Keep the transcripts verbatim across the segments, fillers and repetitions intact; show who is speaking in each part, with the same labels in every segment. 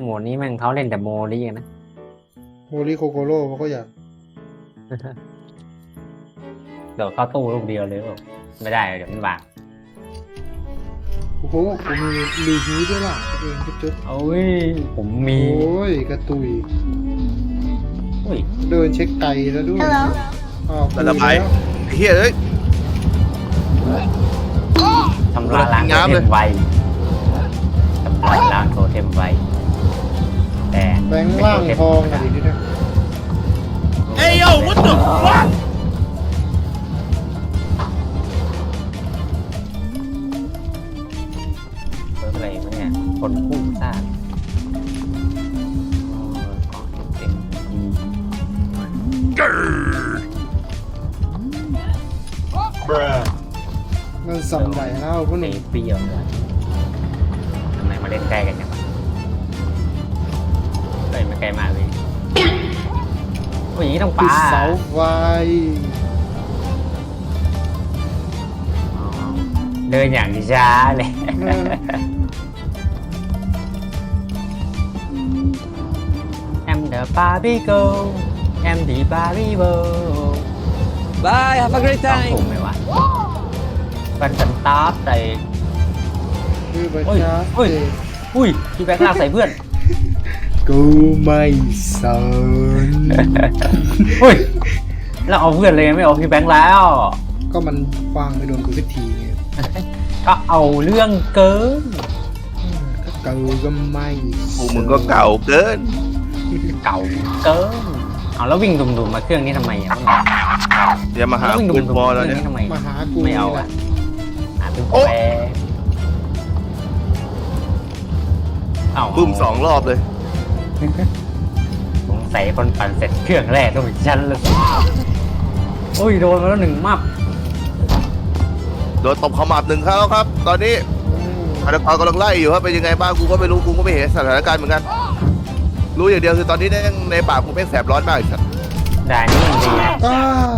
Speaker 1: โหมดนี้แม่งเขาเล่นแต่โมลี่กันนะ
Speaker 2: โฮลี่โคโคโร่เขาก็อยาก
Speaker 1: เดี๋ยวเข้าตู้ลูกเดียวเลยบอกไม่ได้เดี๋ยวมันบาง
Speaker 2: โอ้โหผมมีรีฮิวด้วยล่ะตัวเองจุด
Speaker 1: โอ้ยผมมี
Speaker 2: ๆโอ้ยกระตุย
Speaker 1: อุ้ย
Speaker 2: เดินเช็คไก่แล้วด้วยอ้าว
Speaker 3: ระบายไอ้เฮียเอ้ย
Speaker 1: ทำลายล้างโทเทมไวทำลายล้างโทเทมไวแต่
Speaker 2: แบงค์ล่างทองอะดิเนี่ย
Speaker 3: เอ้ยโย่ what the fuck
Speaker 1: เพิ่มอะไรไหมเนี่ยคนคู่ซ่าเต็มที
Speaker 2: มันสั่นใหญ่แล้วพวกห
Speaker 1: ใน
Speaker 2: นุ่ม
Speaker 1: เปรี้ยวเลยทำไมมาเล่นใกล้กันจังวะเล่นมาไกลมากเลยโอ้ยอย่างนี้ต้อง
Speaker 2: ติ
Speaker 1: ปา
Speaker 2: ดเสาไฟ
Speaker 1: อ๋อเดินอย่างช้าเลย Em the Barbie girl Em the Barbie girl
Speaker 4: Bye, have a great
Speaker 1: ต้อง
Speaker 4: time.
Speaker 1: ถูกไหมวะฟันสันตาร์ใส่
Speaker 2: คือประ
Speaker 1: โอ้ย
Speaker 2: ชา
Speaker 1: โอ้ย อุ้ยพี่แบงค์ลากใส่เพื่อน
Speaker 2: กูไม่สน
Speaker 1: อุ้ยแล้วเอาเพื่อนเลยไม่เอาพี่แบงค์แล้ว
Speaker 2: ก็มันวางไปโดนกูสักทีไง
Speaker 1: ก็เอาเรื่องเกิน
Speaker 2: ก็เกูก็ไม่
Speaker 3: พวกมึงก็เก่าเกิน
Speaker 1: เก่าเกินเอาแล้ววิ่งดุมๆมาเครื่องนี้ทำไมอ่ะ
Speaker 3: อย่ามาหา
Speaker 1: แล้ววิ่งดุ
Speaker 3: ปืน
Speaker 1: มๆ
Speaker 3: บอล
Speaker 1: เค
Speaker 3: แล้
Speaker 1: รื่
Speaker 3: ว
Speaker 1: อง
Speaker 3: เนี่ย
Speaker 1: นี้ทำไม
Speaker 2: มาหากู
Speaker 1: ไม่เอา
Speaker 2: นี่แห
Speaker 1: อ่ะ
Speaker 2: ละ
Speaker 1: หาเป็น
Speaker 3: โอ๊ะ
Speaker 1: แปรเอา
Speaker 3: บึ้มสองรอบเลย
Speaker 1: สงสัยคนปั่นเสร็จเครื่องแรกต้องเป็นชั้นเลยโอ้ยโดนมาแล้วหนึ่งมับ
Speaker 3: โดนตบขมับหนึ่งครั้งแล้วครับ ตอนนี้
Speaker 2: อืม
Speaker 3: อาดกรกำลังไล่อยู่ครับเป็นยังไงบ้างกูก็ไม่รู้กูก็ไม่เห็นสถานการณ์เหมือนกัน รู้อย่างเดียวคือตอนนี้ในในปากกูแม่งแสบร้อนมากอีกสัตว์
Speaker 1: แต่อันนี้ยังดีนะ
Speaker 2: อ้า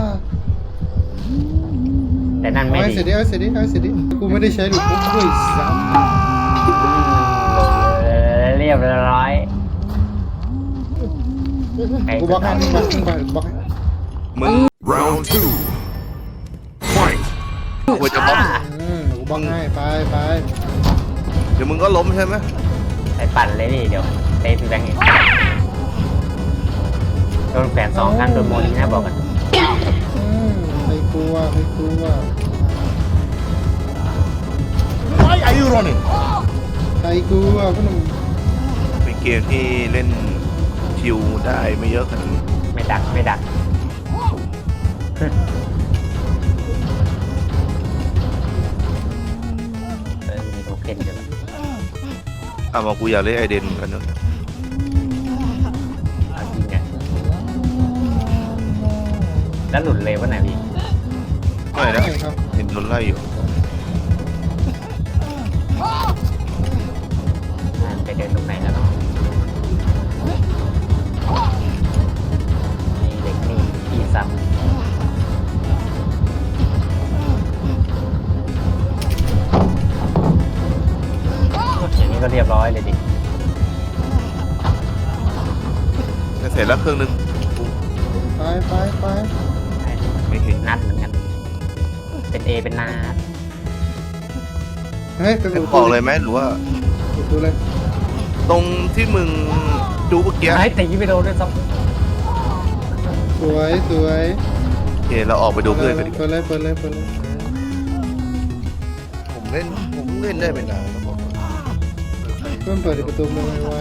Speaker 1: แต่นั่น
Speaker 2: เอา
Speaker 1: ไม่
Speaker 2: ให้
Speaker 1: ดี
Speaker 2: เสร็จดิเอาให้เสร็จดิเอาให้เสร็จดิกูไม่ได้ใช้ดูปุ๊บด้วยซ้
Speaker 1: เออเรียบร้อย
Speaker 2: ำกูบล็อกให้มึงบล็อกให้มึงบล็อกให้
Speaker 3: มึง round two fight กูจะบล็อก
Speaker 2: อืมกูบล็อกให้ไปไป
Speaker 3: เดี๋ยวมึงก็ล้มใช่ไหม
Speaker 1: ไปปั่นเลยดิเดี๋ยวเตะพี่แบงค์เองโดนแขวนสองครั้งโดนโมลีนะบอกกัน
Speaker 2: อืมไม่กลัวไม่กลัว
Speaker 3: Why are you running
Speaker 2: ใครกลัวพวกหนุ่ม
Speaker 3: เป็นเกมที่เล่นชิวได้ไม่เยอะขนาดนี้
Speaker 1: ไม่ดักไม่ดักเออมีโทเค็นอยู่แล้ว
Speaker 3: อ่ะมากูอยากเล่นไอเดนเหมือนกันเนอะ
Speaker 1: เอาจริงไงแล้วหลุดเลยวะไหนพี่
Speaker 3: ไม่นะ
Speaker 2: ใช่ครับ
Speaker 3: เห็นโดนไล่อยู่
Speaker 1: ไปเดินตรงไหนแล้วเนาะนี่เด็กนี่พี่ซ้ำอย่างนี้ก็เรียบร้อยเลยดิ
Speaker 3: จะเสร็จแล้วเครื่องนึง
Speaker 2: ไปไปไป
Speaker 3: ไม่เห็น
Speaker 1: นัดเหมือนกัน เป็นเอเป็นนาด
Speaker 2: เฮ้ยไป
Speaker 3: จะ
Speaker 2: ดู
Speaker 3: บอกเลยไหมหรือว่า
Speaker 2: ดูเลย
Speaker 3: ตรงที่มึงดูเมื่อกี้
Speaker 1: ให้ตีไปโดนด้วยซ้
Speaker 2: สวยสวย
Speaker 3: โอเคเราออกไปดูเพื่อนกันดีก
Speaker 2: เปิ
Speaker 3: ว่า
Speaker 2: ดเลยเปิดเลยเปิดเลย
Speaker 3: ผมเล่นผมเล่นได้ไม่นานแล้วบอก
Speaker 2: เพื่อนเปิดประตูมือไว้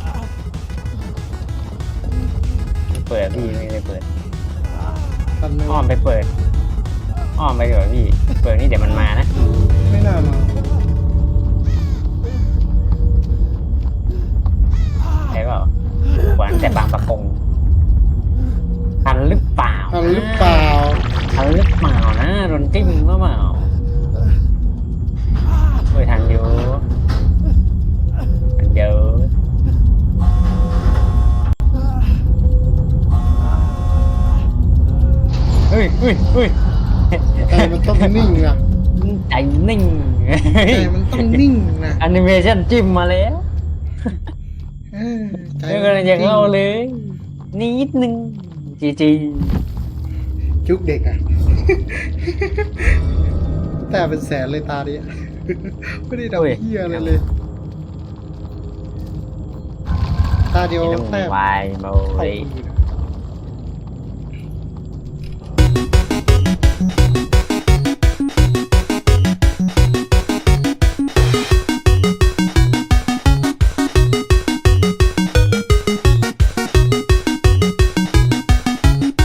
Speaker 1: ำเปิดพี่ไม่ได้เปิด
Speaker 2: ทันไหม
Speaker 1: อ้อมไปเปิด อ้อมไปเถอะพี่ เปิดนี่เดี๋ยวมันมานะ
Speaker 2: ไม่น่ามา
Speaker 1: ใช่เปล่าหวานแต่บางประกงทันหรือเปล่า
Speaker 2: ทันหรือเปล่า
Speaker 1: ทันหรือเปล่านะโดนจิ้มหรือเปล่าเฮ้ยทันอยู่ทันเยอะเฮ้ยเฮ้ยเฮ้ย
Speaker 2: ใจมันต้องนิ่งนะ
Speaker 1: ใจนิ่ง
Speaker 2: ใจมันต้องนิ่งนะ
Speaker 1: แอนิเมชันจิ้มมาแล้ว
Speaker 2: เอเออใจ
Speaker 1: เรื่องอะไรอย่างเราเลย นิดนึงจีจี
Speaker 2: จุกเด็กอ่ะ แต่เป็นแสนเลยตาเนี้ย ไม่ได้ทำเหี้ยอะไรเลย ตาเดียว
Speaker 1: ต้อง
Speaker 2: แต้ม
Speaker 1: วายโม
Speaker 2: เข้า
Speaker 1: เลย
Speaker 2: มือนะ